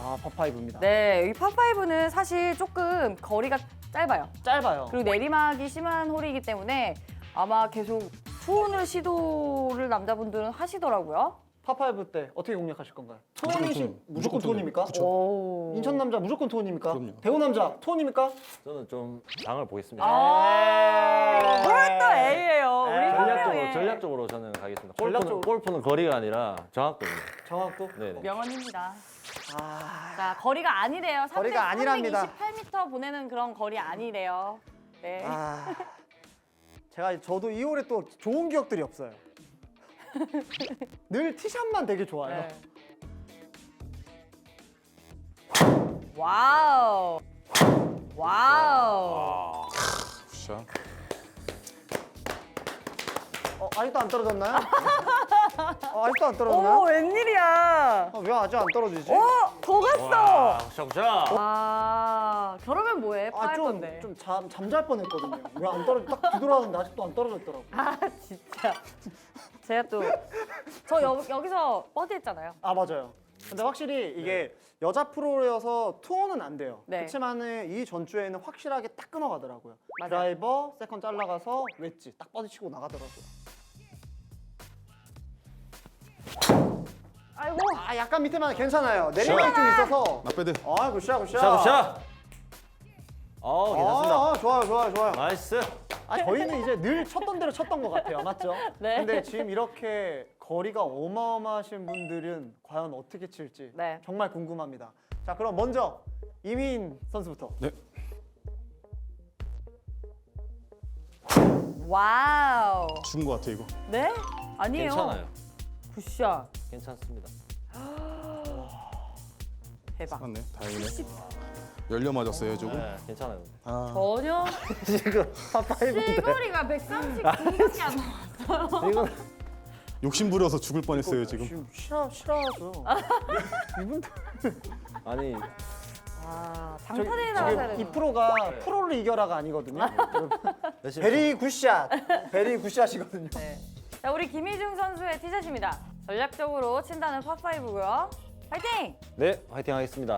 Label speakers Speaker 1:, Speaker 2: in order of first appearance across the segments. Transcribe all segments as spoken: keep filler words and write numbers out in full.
Speaker 1: 아, 파파이브입니다.
Speaker 2: 네, 이 파파이브는 사실 조금 거리가 짧아요.
Speaker 1: 짧아요.
Speaker 2: 그리고 내리막이 심한 홀이기 때문에 아마 계속 투혼을 시도를 남자분들은 하시더라고요.
Speaker 1: 파파이브 때 어떻게 공략하실 건가요?
Speaker 3: 무조건
Speaker 1: 투혼이시
Speaker 3: 투혼.
Speaker 1: 무조건
Speaker 3: 무조건
Speaker 1: 투혼입니까?
Speaker 3: 그쵸.
Speaker 2: 오.
Speaker 1: 인천 남자 무조건 투혼입니까?
Speaker 3: 그럼요.
Speaker 1: 대구 남자 투혼입니까?
Speaker 4: 저는 좀 장을 보겠습니다.
Speaker 2: 아, 뭘또 A예요. 우리
Speaker 1: 에이.
Speaker 4: 전략적으로
Speaker 2: 현명해.
Speaker 4: 전략적으로 저는 가겠습니다. 골프는,
Speaker 1: 전략적으로?
Speaker 4: 골프는 거리가 아니라 정확도입니다.
Speaker 1: 정확도?
Speaker 4: 네네.
Speaker 2: 명언입니다.
Speaker 1: 아,
Speaker 2: 자, 거리가 아니래요.
Speaker 1: 거리가 아니랍니다.
Speaker 2: 삼백이십팔 미터 보내는 그런 거리 아니래요. 네.
Speaker 1: 아, 제가 저도 이 홀에 또 좋은 기억들이 없어요. 늘 티샷만 되게 좋아요.
Speaker 2: 네. 와우. 와우.
Speaker 3: 굿샷.
Speaker 1: 어, 아직도 안 떨어졌나요? 어, 아직도 안 떨어졌나요?
Speaker 2: 오, 웬일이야.
Speaker 1: 어, 왜 아직 안 떨어지지?
Speaker 2: 오, 더 갔어.
Speaker 4: 샤샤.
Speaker 2: 아, 저러면 뭐해?
Speaker 1: 아,
Speaker 2: 파할
Speaker 1: 좀,
Speaker 2: 건데.
Speaker 1: 좀 잠, 잠잘 뻔했거든요. 왜 안 떨어져? 딱 뒤돌아왔는데 아직도 안 떨어졌더라고요.
Speaker 2: 아, 진짜. 제가 또, 저 여, 여기서 버디 했잖아요.
Speaker 1: 아, 맞아요. 근데 확실히 이게 여자 프로여서 투혼은 안 돼요.
Speaker 2: 네.
Speaker 1: 그렇지만은 이 전주에는 확실하게 딱 끊어가더라고요.
Speaker 2: 맞아요.
Speaker 1: 드라이버, 세컨 잘라가서 웨지 딱 버디 치고 나가더라고요.
Speaker 2: 아이고.
Speaker 1: 아, 약간 밑에만 괜찮아요. 내리막이 좀 있어서.
Speaker 3: 나빼드.
Speaker 1: 아, 굿샷, 굿샷.
Speaker 4: 샤샤. 어, 괜찮습니다.
Speaker 1: 아, 좋아요, 좋아요, 좋아요.
Speaker 4: 나이스.
Speaker 1: 아, 저희는 이제 늘 쳤던 대로 쳤던 것 같아요. 맞죠?
Speaker 2: 네.
Speaker 1: 근데 지금 이렇게 거리가 어마어마하신 분들은 과연 어떻게 칠지
Speaker 2: 네.
Speaker 1: 정말 궁금합니다. 자, 그럼 먼저 이민 선수부터.
Speaker 3: 네.
Speaker 2: 와우.
Speaker 3: 죽은 것 같아 이거.
Speaker 2: 네? 아니에요.
Speaker 4: 괜찮아요.
Speaker 2: 굿샷.
Speaker 4: 괜찮습니다.
Speaker 2: 대박.
Speaker 3: 맞네. 다행이네. 열려 맞았어요 조금.
Speaker 4: 네, 괜찮아요.
Speaker 3: 아,
Speaker 2: 전혀
Speaker 1: 지금 파파이브인데.
Speaker 2: 실거리가 백삼십구밖에 안 나와.
Speaker 4: 이건
Speaker 3: 욕심 부려서 죽을 뻔했어요 지금.
Speaker 1: 지금 싫어, 싫어하죠. 이분들.
Speaker 4: 아니
Speaker 2: 아,
Speaker 1: 저기
Speaker 2: 장타대에 나가야
Speaker 1: 지금 이
Speaker 2: 되는.
Speaker 1: 프로가 프로를 이겨라가 아니거든요.
Speaker 4: 열심히
Speaker 1: 베리 굿샷. 베리 굿샷이거든요.
Speaker 2: 네. 자, 우리 김희중 선수의 티샷입니다. 전략적으로 친다는 파파이브고요. 파이팅!
Speaker 4: 네, 화이팅 하겠습니다.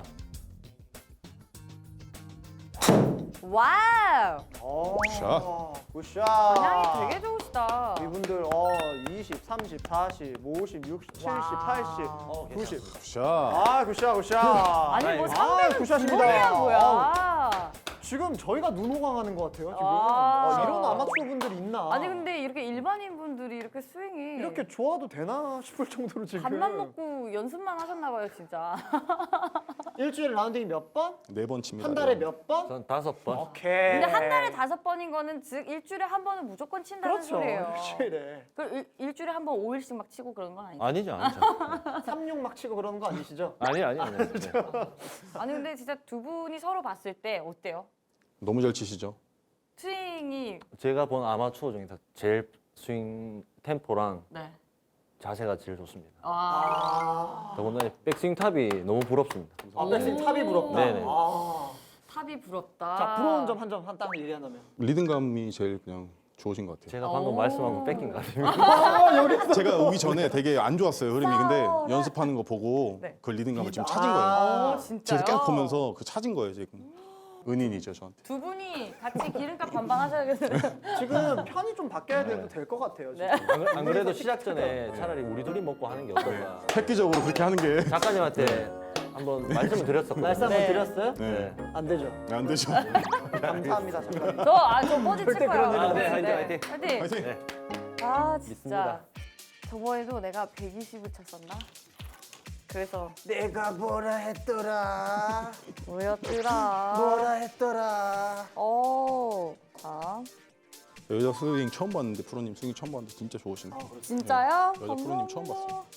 Speaker 2: 와우!
Speaker 1: 오,
Speaker 3: 굿샷.
Speaker 1: 굿샷.
Speaker 2: 방향이 되게 좋으시다.
Speaker 1: 이분들 어 이십, 삼십, 사십, 오십, 육십, 칠십,
Speaker 2: 와.
Speaker 1: 팔십,
Speaker 4: 어,
Speaker 1: 구십.
Speaker 3: 굿샷.
Speaker 1: 아, 굿샷, 굿샷.
Speaker 2: 아니 뭐
Speaker 1: 아,
Speaker 2: 상대는
Speaker 1: 굿샷입니다.
Speaker 2: 주먹이야 뭐야.
Speaker 1: 아, 지금 저희가 눈호강하는 것 같아요. 지금
Speaker 2: 아.
Speaker 1: 어, 이런 아마추어 분들이 있나?
Speaker 2: 아니 근데 이렇게 일반인 분들이 이렇게 스윙이
Speaker 1: 이렇게 좋아도 되나 싶을 정도로 지금
Speaker 2: 밥만 먹고 연습만 하셨나 봐요 진짜.
Speaker 1: 일주일에 라운딩이 몇 번?
Speaker 3: 네 번 칩니다.
Speaker 1: 한 달에 몇 번?
Speaker 4: 전 다섯 번.
Speaker 1: 오케이.
Speaker 2: 근데 한 달에 다섯 번인 거는 즉 일주일에 한 번은 무조건 친다는
Speaker 1: 그렇죠.
Speaker 2: 소리예요.
Speaker 1: 일주일에
Speaker 2: 그 일, 일주일에 한 번 오 일씩 막 치고 그런 건 아니죠?
Speaker 4: 아니죠, 아니죠.
Speaker 1: 삼육 막 치고 그러는 거 아니시죠?
Speaker 4: 아니, 아니, 아니. 네.
Speaker 2: 아니 근데 진짜 두 분이 서로 봤을 때 어때요?
Speaker 3: 너무 잘 치시죠.
Speaker 2: 스윙이
Speaker 4: 제가 본 아마추어 중에서 제일 스윙 템포랑
Speaker 2: 네.
Speaker 4: 자세가 제일 좋습니다.
Speaker 2: 아,
Speaker 4: 더군다나 백스윙 탑이 너무 부럽습니다.
Speaker 1: 아, 백스윙 탑이 부럽다.
Speaker 4: 네네.
Speaker 1: 아.
Speaker 2: 탑이 부럽다.
Speaker 1: 자, 부러운 점 한 점 한 딱 얘기한다면.
Speaker 3: 리듬감이 제일 그냥 좋으신 것 같아요.
Speaker 4: 제가 방금
Speaker 2: 오.
Speaker 4: 말씀한 거 뺏긴 것 같습니다.
Speaker 1: 아,
Speaker 3: 제가 오기 전에 되게 안 좋았어요 흐름이. 근데
Speaker 2: 싸워.
Speaker 3: 연습하는 거 보고
Speaker 2: 네.
Speaker 3: 그 리듬감을 지금
Speaker 1: 아.
Speaker 3: 찾은 거예요.
Speaker 2: 어, 진짜요?
Speaker 3: 제가 계속 보면서 그 찾은 거예요 지금. 은인이죠 저한테.
Speaker 2: 두 분이 같이 기름값 반반 하셔야겠네요.
Speaker 1: 지금 편이 좀 바뀌어야 돼도 될 것 같아요. 지금.
Speaker 2: 네.
Speaker 4: 안, 그래- 안 그래도 시작 전에 차라리 우리 둘이 먹고 하는 게 어떨까.
Speaker 3: 획기적으로 그렇게 하는 게.
Speaker 4: 작가님한테 한번 말씀을 드렸었거든요.
Speaker 1: 말씀 한번
Speaker 2: 네.
Speaker 1: 드렸어요?
Speaker 3: 네.
Speaker 1: 안 되죠.
Speaker 3: 안 되죠.
Speaker 1: 감사합니다, 작가님.
Speaker 2: 저, 아, 저 뽀지 칠
Speaker 1: 절대
Speaker 2: 거예요.
Speaker 1: 그런 일
Speaker 4: 안 해요. 화이팅,
Speaker 2: 화이팅!
Speaker 3: 화이팅.
Speaker 4: 네.
Speaker 2: 아, 진짜.
Speaker 4: 믿습니다.
Speaker 2: 저번에도 내가 백이십을 쳤었나? 그래서
Speaker 1: 내가 뭐라 했더라.
Speaker 2: 뭐였더라?
Speaker 1: 뭐라 했더라.
Speaker 2: 어, 자,
Speaker 3: 여자 스윙 처음 봤는데 프로님 스윙 처음 봤는데 진짜 좋으신데.
Speaker 2: 진짜요?
Speaker 3: 여자 프로님 처음
Speaker 2: 감사합니다.
Speaker 3: 봤어요.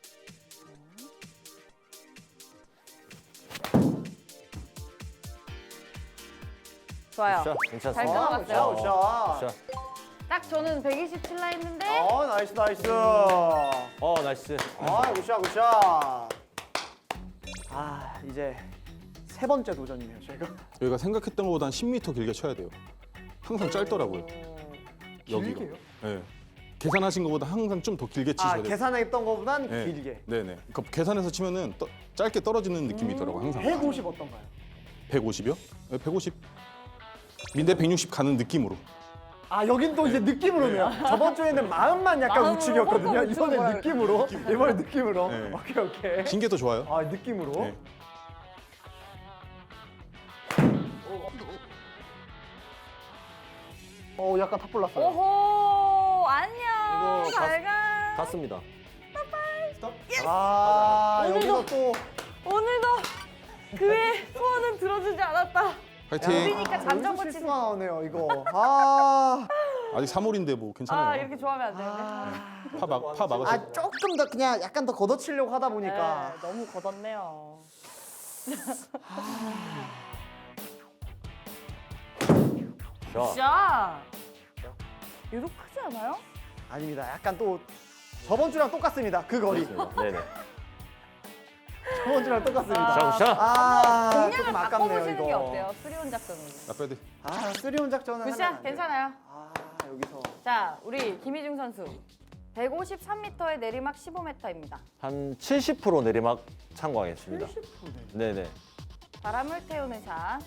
Speaker 2: 좋아요.
Speaker 4: 굿샷,
Speaker 2: 잘
Speaker 4: 괜찮습니다.
Speaker 2: 들어갔어요.
Speaker 1: 굿샷, 굿샷.
Speaker 4: 굿샷.
Speaker 2: 딱 저는 백이십칠라 했는데
Speaker 1: 어, 나이스, 나이스.
Speaker 4: 어, 나이스.
Speaker 1: 아, 굿샷, 굿샷. 아, 이제 세 번째 도전이네요, 저희가.
Speaker 3: 여기가 생각했던 것보다 한 십 미터 길게 쳐야 돼요. 항상 짧더라고요. 여기가.
Speaker 1: 길게요?
Speaker 3: 네. 계산하신 것보다 항상 좀 더 길게 치셔야
Speaker 1: 아,
Speaker 3: 돼요.
Speaker 1: 계산했던 것보단
Speaker 3: 네.
Speaker 1: 길게.
Speaker 3: 네네. 그러니까 계산해서 치면은 떠- 짧게 떨어지는 느낌이 있더라고 항상.
Speaker 1: 백오십 어떤가요?
Speaker 3: 백오십이요? 네, 백오십. 민대 백육십 가는 느낌으로.
Speaker 1: 아, 여긴 또 이제 느낌으로네요. 저번 주에는 마음만 약간
Speaker 2: 마음으로
Speaker 1: 우측이었거든요.
Speaker 2: 펑펑 우측으로
Speaker 1: 이번에 느낌으로. 이번에 느낌으로.
Speaker 3: 네.
Speaker 1: 오케이, 오케이.
Speaker 3: 긴 게 더 좋아요.
Speaker 1: 아, 느낌으로.
Speaker 3: 네.
Speaker 1: 어, 약간 탑볼 났어요.
Speaker 2: 오호 안녕.
Speaker 4: 이거
Speaker 2: 잘 가.
Speaker 4: 갔습니다.
Speaker 1: 아,
Speaker 2: 오늘도-
Speaker 1: 여기서 또
Speaker 2: 오늘도 그의 소원은 들어주지 않았다.
Speaker 3: 파이팅.
Speaker 2: 우리니까 잠정
Speaker 1: 여기서
Speaker 2: 고치는.
Speaker 1: 실수가 나오네요, 이거. 아.
Speaker 3: 아직 삼 홀인데 뭐 괜찮아요.
Speaker 2: 아 이렇게 좋아하면 안 되는데.
Speaker 3: 파, 막, 파 막으세요.
Speaker 1: 아, 조금 더 그냥 약간 더 걷어치려고 하다 보니까.
Speaker 2: 네, 너무 걷었네요.
Speaker 4: 자,
Speaker 2: 자, 유독 크지 않아요?
Speaker 1: 아닙니다. 약간 또 저번 주랑 똑같습니다. 그 거리.
Speaker 4: 그렇습니다. 네네.
Speaker 1: 저번 주랑 똑같습니다.
Speaker 2: 아,
Speaker 4: 자, 자.
Speaker 1: 아,
Speaker 2: 공략을
Speaker 1: 조금 아깝네요,
Speaker 2: 바꿔보시는 게
Speaker 1: 이거.
Speaker 2: 어때요? 수리온 작전으로.
Speaker 3: 나 빼드.
Speaker 1: 아, 쓰리온 작전은 하면
Speaker 2: 굿샷
Speaker 1: 안 돼요.
Speaker 2: 괜찮아요.
Speaker 1: 아, 여기서.
Speaker 2: 자, 우리 김희중 선수. 백오십삼 미터의 내리막 십오 미터입니다.
Speaker 4: 한 칠십 퍼센트 내리막 참고하겠습니다.
Speaker 1: 칠십 퍼센트.
Speaker 4: 네네.
Speaker 2: 바람을 태우는 샷.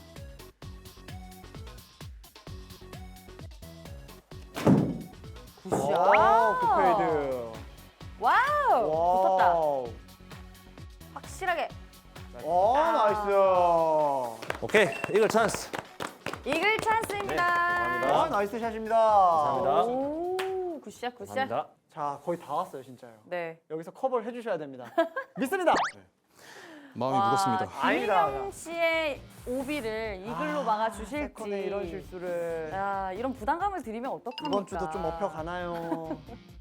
Speaker 2: 굿샷.
Speaker 1: 와, 굿페이드.
Speaker 2: 와우. 붙었다.
Speaker 1: 와우.
Speaker 2: 확실하게.
Speaker 1: 와, 나이스.
Speaker 4: 오케이, 이글 찬스.
Speaker 2: 이글 찬스입니다.
Speaker 4: 감사합니다.
Speaker 1: 와, 나이스 샷입니다.
Speaker 4: 감사합니다.
Speaker 2: 오, 굿샷, 굿샷.
Speaker 4: 감사합니다.
Speaker 1: 자, 거의 다 왔어요, 진짜요.
Speaker 2: 네.
Speaker 1: 여기서 커버를 해주셔야 됩니다. 믿습니다.
Speaker 3: 마음이 무겁습니다.
Speaker 1: 아닙니다.
Speaker 2: 김희경 씨의 오비를 이글로
Speaker 1: 아,
Speaker 2: 막아주실지.
Speaker 1: 세컨에 이런 실수를.
Speaker 2: 야, 이런 부담감을 드리면 어떡합니까?
Speaker 1: 이번 주도 좀 업혀 가나요?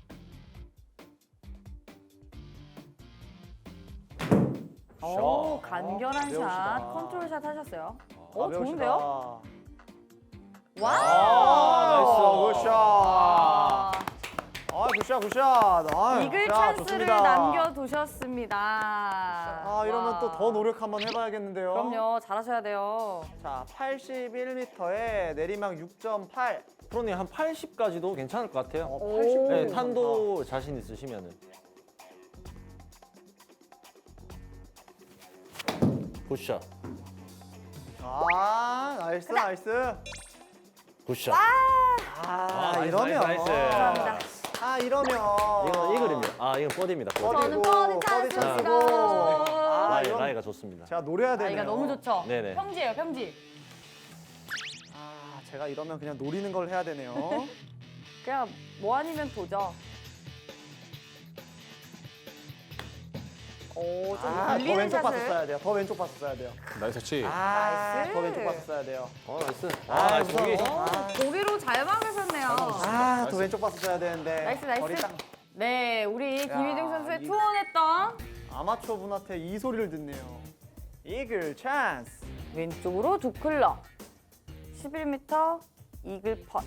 Speaker 2: 오, 간결한 샷,
Speaker 1: 배우시다.
Speaker 2: 컨트롤 샷 하셨어요.
Speaker 1: 아,
Speaker 2: 오,
Speaker 1: 배우시다.
Speaker 2: 좋은데요?
Speaker 1: 아,
Speaker 2: 와우!
Speaker 1: 나이스. 굿샷.
Speaker 2: 아,
Speaker 1: 아, 굿샷, 굿샷. 아,
Speaker 2: 이글
Speaker 1: 자,
Speaker 2: 찬스를
Speaker 1: 좋습니다.
Speaker 2: 남겨두셨습니다.
Speaker 1: 아, 이러면 또 더 노력 한번 해봐야겠는데요.
Speaker 2: 그럼요, 잘하셔야 돼요.
Speaker 1: 자, 팔십일 미터에 내리막 육 점 팔.
Speaker 4: 프로님 한 팔십까지도 괜찮을 것 같아요.
Speaker 1: 어,
Speaker 2: 오.
Speaker 1: 팔십.
Speaker 4: 네, 탄도 자신 있으시면은. 굿샷.
Speaker 1: 아, 나이스, 나이스.
Speaker 4: 굿샷.
Speaker 1: 아,
Speaker 4: 아, 나이스,
Speaker 1: 이러면.
Speaker 4: 나이스, 나이스.
Speaker 2: 감사합니다.
Speaker 1: 아, 이러면.
Speaker 4: 이건 이글입니다. 아, 이건 버디입니다. 버디.
Speaker 2: 저는
Speaker 1: 버디고,
Speaker 2: 버디
Speaker 1: 버디
Speaker 2: 찬스입니다.
Speaker 1: 찬스고. 아,
Speaker 4: 라이,
Speaker 1: 이건
Speaker 4: 라이가 좋습니다.
Speaker 1: 제가 노려야 되네요.
Speaker 2: 아이가 너무 좋죠?
Speaker 4: 네네.
Speaker 2: 평지예요, 평지.
Speaker 1: 아, 제가 이러면 그냥 노리는 걸 해야 되네요.
Speaker 2: 그냥 뭐 아니면 도죠. 오, 좀
Speaker 1: 아, 더
Speaker 2: 걸리는
Speaker 1: 왼쪽 파스
Speaker 2: 샷을.
Speaker 1: 써야 돼요. 더 왼쪽 파스 써야 돼요.
Speaker 3: 나이스 터치.
Speaker 1: 아,
Speaker 2: 나이스.
Speaker 1: 더 왼쪽 파스 써야 돼요.
Speaker 4: 어, 나이스.
Speaker 1: 아,
Speaker 4: 아, 나이스.
Speaker 1: 무서워.
Speaker 4: 보기.
Speaker 1: 아.
Speaker 2: 고기로 잘 막으셨네요.
Speaker 1: 아, 더 왼쪽 파스 써야 되는데.
Speaker 2: 나이스,
Speaker 1: 거리
Speaker 2: 나이스.
Speaker 1: 딱
Speaker 2: 네, 우리 김희중 선수의
Speaker 1: 이-
Speaker 2: 투혼했던
Speaker 1: 아마추어 분한테 이 소리를 듣네요. 이글 찬스.
Speaker 2: 왼쪽으로 두 클럽. 십일 미터 이글 펫.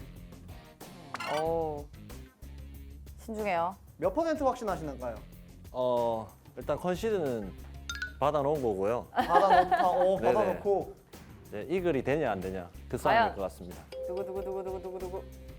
Speaker 2: 오, 신중해요.
Speaker 1: 몇 퍼센트 확신하시는가요?
Speaker 4: 어, 일단 컨시드는 받아놓은 거고요.
Speaker 1: 받아놓다, 어,
Speaker 4: 네네.
Speaker 1: 받아놓고.
Speaker 4: 이제 이글이 되냐 안 되냐 그
Speaker 2: 과연?
Speaker 4: 싸움일 것 같습니다.
Speaker 2: 두구 두구 두구 두구 두구 두구.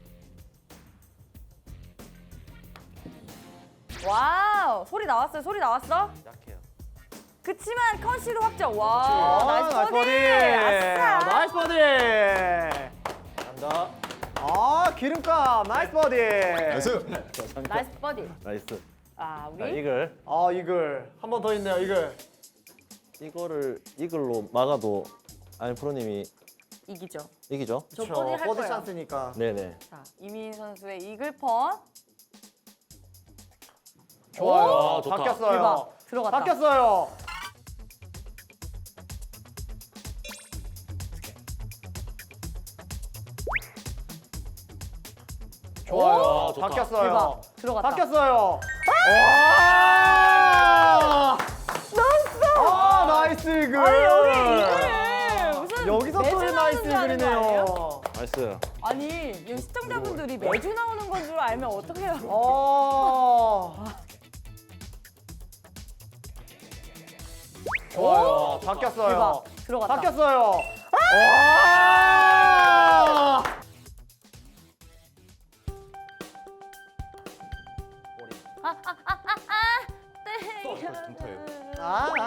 Speaker 2: 와우, 소리 나왔어요. 소리 나왔어?
Speaker 4: 약해요.
Speaker 2: 그치만 컨시드 확정. 와,
Speaker 1: 아,
Speaker 2: 나이스 버디. 아싸.
Speaker 1: 나이스 버디.
Speaker 4: 감사합니다.
Speaker 1: 아, 기름값. 나이스 버디.
Speaker 3: 나이스.
Speaker 2: 나이스 버디.
Speaker 4: 나이스.
Speaker 2: 아,
Speaker 4: 자,
Speaker 2: 우리
Speaker 4: 이글.
Speaker 1: 아, 이글. 한 번 더 있네요, 이글.
Speaker 4: 이거를 이글로 막아도 아니 프로님이
Speaker 2: 이기죠.
Speaker 4: 이기죠?
Speaker 2: 저
Speaker 1: 그쵸,
Speaker 2: 버디 할
Speaker 1: 버디
Speaker 2: 거예요.
Speaker 1: 찬스니까.
Speaker 4: 네네.
Speaker 2: 자, 이민 선수의 이글 펀.
Speaker 1: 좋아요.
Speaker 4: 오, 좋다.
Speaker 1: 바뀌었어요.
Speaker 2: 대박. 들어갔다.
Speaker 1: 바뀌었어요. 좋아요.
Speaker 4: 오, 좋다.
Speaker 1: 바뀌었어요.
Speaker 2: 대박. 들어갔다.
Speaker 1: 바뀌었어요. 와! 나이스! 아, 나이스 이글.
Speaker 2: 아니, 여기 이글을 무슨
Speaker 1: 여기서
Speaker 2: 매주
Speaker 1: 또
Speaker 2: 나오는
Speaker 1: 나이스
Speaker 2: 줄 아는 거 아니에요?
Speaker 1: 이글이네요.
Speaker 4: 나이스.
Speaker 2: 아니, 여기 시청자분들이 매주 나오는 건 줄 알면 어떡해요?
Speaker 1: 어. 좋아요.
Speaker 2: 오,
Speaker 1: 바뀌었어요.
Speaker 2: 대박. 들어갔다.
Speaker 1: 바뀌었어요. 와! 아, 아,